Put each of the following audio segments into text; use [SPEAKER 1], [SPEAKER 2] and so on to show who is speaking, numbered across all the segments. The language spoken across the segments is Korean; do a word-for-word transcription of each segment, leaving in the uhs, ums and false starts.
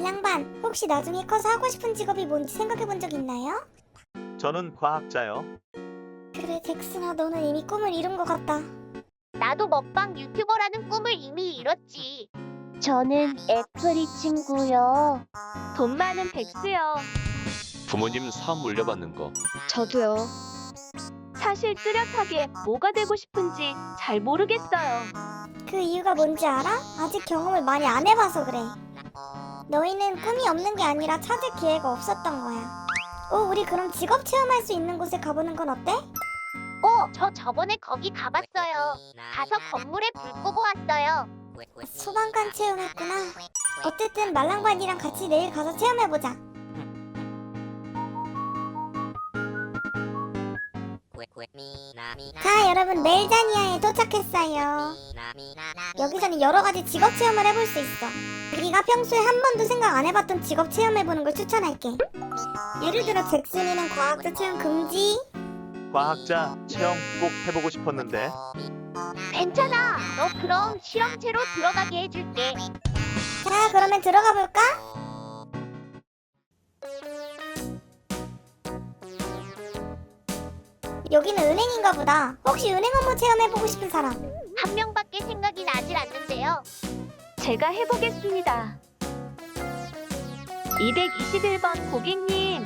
[SPEAKER 1] 말랑반, 혹시 나중에 커서 하고 싶은 직업이 뭔지 생각해 본 적 있나요?
[SPEAKER 2] 저는 과학자요.
[SPEAKER 1] 그래, 잭슨아, 너는 이미 꿈을 이룬 것 같다.
[SPEAKER 3] 나도 먹방 유튜버라는 꿈을 이미 이뤘지.
[SPEAKER 4] 저는 애플이 친구요.
[SPEAKER 3] 돈 많은 백수요.
[SPEAKER 5] 부모님 사업 물려받는 거.
[SPEAKER 6] 저도요.
[SPEAKER 3] 사실 뚜렷하게 뭐가 되고 싶은지 잘 모르겠어요.
[SPEAKER 1] 그 이유가 뭔지 알아? 아직 경험을 많이 안 해봐서 그래. 너희는 꿈이 없는 게 아니라 찾을 기회가 없었던 거야. 어, 우리 그럼 직업 체험할 수 있는 곳에 가보는 건 어때?
[SPEAKER 3] 어, 저 저번에 거기 가봤어요. 가서 건물에 불 끄고 왔어요.
[SPEAKER 1] 소방관 체험했구나. 어쨌든 말랑반이랑 같이 내일 가서 체험해보자. 자, 여러분, 멜자니아에 도착했어요. 여기서는 여러가지 직업 체험을 해볼 수 있어. 우리가 평소에 한 번도 생각 안 해봤던 직업 체험해보는 걸 추천할게. 예를 들어 잭슨이는 과학자 체험 금지.
[SPEAKER 2] 과학자 체험 꼭 해보고 싶었는데.
[SPEAKER 3] 괜찮아. 너 그럼 실험체로 들어가게 해줄게.
[SPEAKER 1] 자, 그러면 들어가 볼까? 여기는 은행인가 보다. 혹시 은행 업무 체험해보고 싶은 사람?
[SPEAKER 3] 한 명밖에 생각이 나질 않는데요. 제가 해보겠습니다. 이백이십일 번 고객님.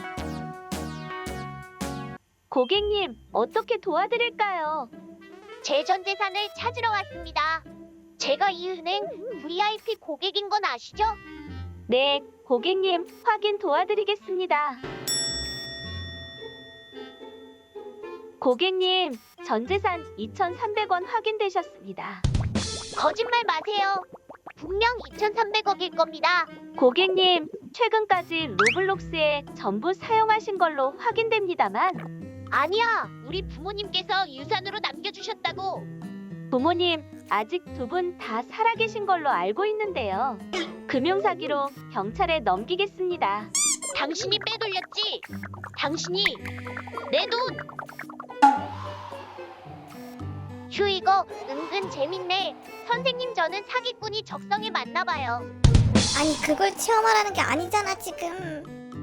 [SPEAKER 3] 고객님, 어떻게 도와드릴까요? 제 전 재산을 찾으러 왔습니다. 제가 이 은행 브이아이피 고객인 건 아시죠? 네, 고객님, 확인 도와드리겠습니다. 고객님, 전 재산 이천삼백 원 확인되셨습니다. 거짓말 마세요. 분명 이천삼백억일 겁니다. 고객님, 최근까지 로블록스에 전부 사용하신 걸로 확인됩니다만. 아니야, 우리 부모님께서 유산으로 남겨주셨다고. 부모님, 아직 두 분 다 살아계신 걸로 알고 있는데요. 금융사기로 경찰에 넘기겠습니다. 당신이 빼돌렸지? 당신이 내 돈! 휴, 이거 은근 재밌네. 선생님, 저는 사기꾼이 적성에 맞나봐요.
[SPEAKER 1] 아니, 그걸 체험하라는 게 아니잖아, 지금.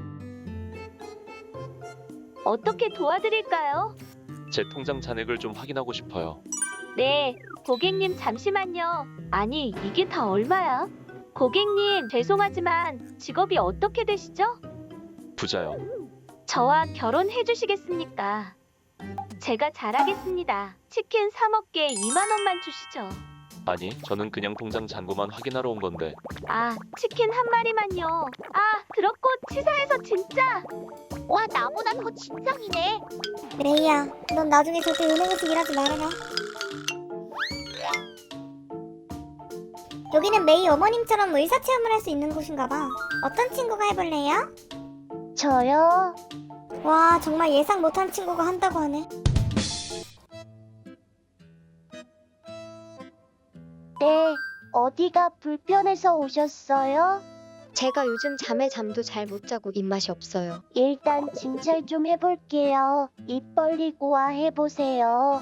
[SPEAKER 3] 어떻게 도와드릴까요?
[SPEAKER 5] 제 통장 잔액을 좀 확인하고 싶어요.
[SPEAKER 3] 네, 고객님 잠시만요. 아니, 이게 다 얼마야? 고객님, 죄송하지만 직업이 어떻게 되시죠?
[SPEAKER 5] 부자요.
[SPEAKER 3] 저와 결혼해 주시겠습니까? 제가 잘하겠습니다. 치킨 사 먹게 이만 원만 주시죠.
[SPEAKER 5] 아니, 저는 그냥 통장 잔고만 확인하러 온 건데.
[SPEAKER 3] 아, 치킨 한 마리만요. 아, 그렇고 치사해서 진짜. 와, 나보다 더 진상이네.
[SPEAKER 1] 레이야, 넌 나중에 절대 은행에서 일하지 말아라. 여기는 메이 어머님처럼 의사 체험을 할 수 있는 곳인가 봐. 어떤 친구가 해볼래요?
[SPEAKER 4] 저요?
[SPEAKER 1] 와, 정말 예상 못한 친구가 한다고 하네.
[SPEAKER 4] 네, 어디가 불편해서 오셨어요?
[SPEAKER 6] 제가 요즘 잠에 잠도 잘 못 자고 입맛이 없어요.
[SPEAKER 4] 일단 진찰 좀 해볼게요. 입 벌리고 와 해보세요.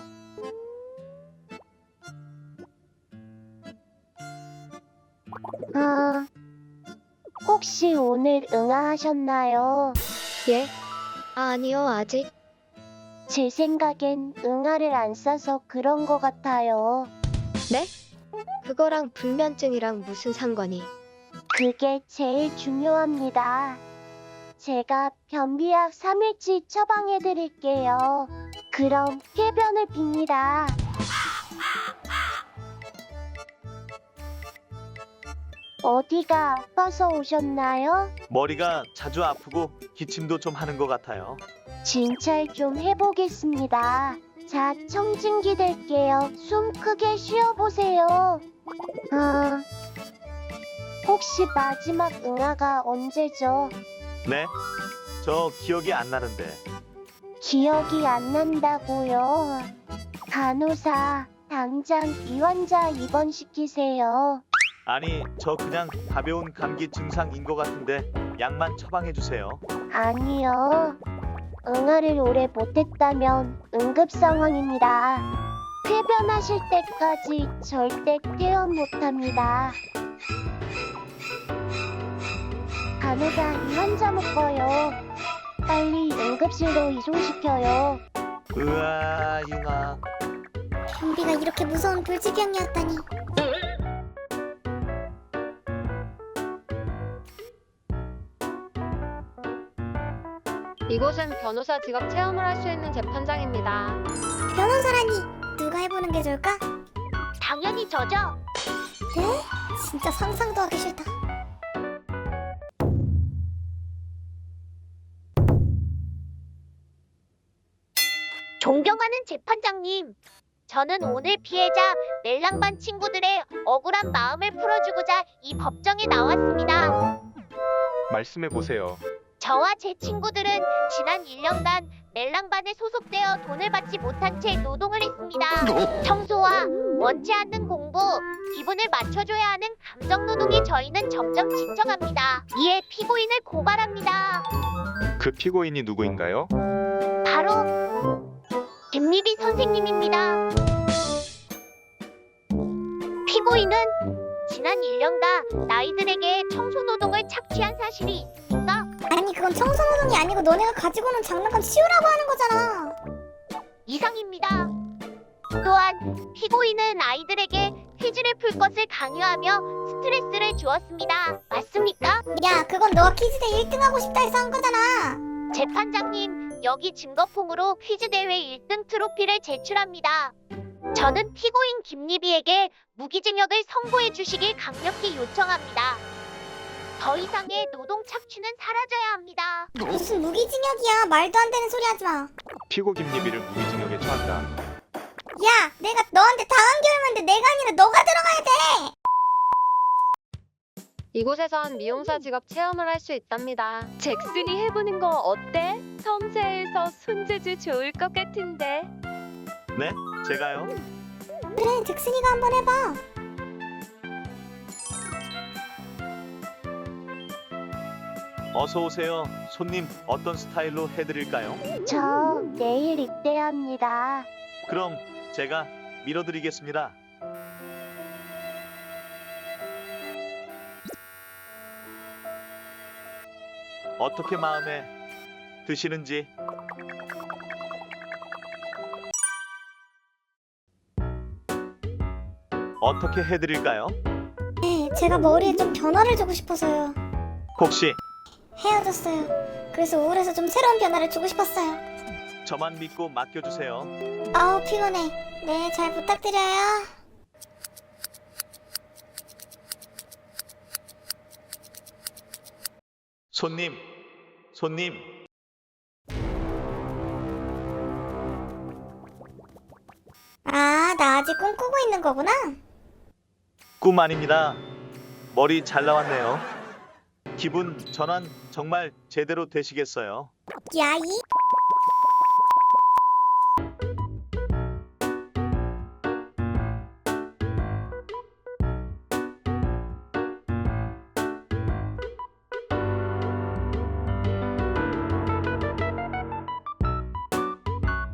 [SPEAKER 4] 아, 혹시 오늘 응아하셨나요?
[SPEAKER 6] 예? 아, 아니요, 아직.
[SPEAKER 4] 제 생각엔 응아를 안 싸서 그런 것 같아요.
[SPEAKER 6] 네? 그거랑 불면증이랑 무슨 상관이?
[SPEAKER 4] 그게 제일 중요합니다. 제가 변비약 삼 일치 처방해드릴게요. 그럼 쾌변을 빕니다. 어디가 아파서 오셨나요?
[SPEAKER 2] 머리가 자주 아프고 기침도 좀 하는 것 같아요.
[SPEAKER 4] 진찰 좀 해보겠습니다. 자, 청진기 댈게요. 숨 크게 쉬어보세요. 아, 혹시 마지막 응아가 언제죠?
[SPEAKER 2] 네? 저 기억이 안 나는데.
[SPEAKER 4] 기억이 안 난다고요? 간호사, 당장 이 환자 입원시키세요.
[SPEAKER 2] 아니, 저 그냥 가벼운 감기 증상인 것 같은데 약만 처방해 주세요.
[SPEAKER 4] 아니요. 응아를 오래 못했다면 응급 상황입니다. 쾌변하실 때까지 절대 퇴원 못합니다. 간호사 이 환자 묶어요. 빨리 응급실로 이송시켜요.
[SPEAKER 2] 으아, 융아.
[SPEAKER 1] 좀비가 이렇게 무서운 불치병이었다니.
[SPEAKER 6] 이곳은 변호사 직업 체험을 할 수 있는 재판장입니다.
[SPEAKER 1] 변호사라니 누가 해보는 게 좋을까?
[SPEAKER 4] 당연히 저죠.
[SPEAKER 1] 네? 진짜 상상도 하기 싫다.
[SPEAKER 4] 존경하는 재판장님. 저는 오늘 피해자 멜랑반 친구들의 억울한 마음을 풀어주고자 이 법정에 나왔습니다.
[SPEAKER 7] 말씀해 보세요.
[SPEAKER 4] 저와 제 친구들은 지난 일 년간 멜랑반에 소속되어 돈을 받지 못한 채 노동을 했습니다. 청소와 원치 않는 공부, 기분을 맞춰줘야 하는 감정 노동에 저희는 점점 지쳐갑니다. 이에 피고인을 고발합니다.
[SPEAKER 7] 그 피고인이 누구인가요?
[SPEAKER 4] 바로 김미비 선생님입니다. 피고인은 지난 일 년간 아이들에게 청소노동을 착취한 사실이 있습니까?
[SPEAKER 1] 아니 그건 청소노동이 아니고 너네가 가지고 오는 장난감 치우라고 하는 거잖아.
[SPEAKER 4] 이상입니다. 또한 피고인은 아이들에게 퀴즈를 풀 것을 강요하며 스트레스를 주었습니다. 맞습니까?
[SPEAKER 1] 야 그건 너가 퀴즈대 일 등 하고 싶다 해서 한 거잖아.
[SPEAKER 4] 재판장님, 여기 증거품으로 퀴즈 대회 일 등 트로피를 제출합니다. 저는 피고인 김리비에게 무기징역을 선고해 주시길 강력히 요청합니다. 더 이상의 노동 착취는 사라져야 합니다.
[SPEAKER 1] 무슨 무기징역이야. 말도 안 되는 소리 하지 마.
[SPEAKER 7] 피고 김리비를 무기징역에 처한다.
[SPEAKER 1] 야 내가 너한테 당한 게 얼만데 내가 아니라 너가 들어가야 돼.
[SPEAKER 6] 이곳에선 미용사 직업 체험을 할 수 있답니다.
[SPEAKER 3] 잭슨이 해보는 거 어때? 섬세해서 손재주 좋을 것 같은데.
[SPEAKER 2] 네? 제가요?
[SPEAKER 1] 그래 잭슨이가 한번 해봐.
[SPEAKER 2] 어서 오세요. 손님, 어떤 스타일로 해드릴까요?
[SPEAKER 4] 저 내일 입대합니다.
[SPEAKER 2] 그럼 제가 밀어드리겠습니다. 어떻게 마음에 드시는지. 어떻게 해드릴까요?
[SPEAKER 1] 네 제가 머리에 좀 변화를 주고 싶어서요.
[SPEAKER 2] 혹시
[SPEAKER 1] 헤어졌어요. 그래서 우울해서 좀 새로운 변화를 주고 싶었어요.
[SPEAKER 2] 저만 믿고 맡겨주세요.
[SPEAKER 1] 아우 피곤해. 네 잘 부탁드려요.
[SPEAKER 2] 손님, 손님.
[SPEAKER 1] 아 나 아직 꿈꾸고 있는 거구나.
[SPEAKER 2] 꿈 아닙니다. 머리 잘 나왔네요. 기분 전환 정말 제대로 되시겠어요.
[SPEAKER 1] 야이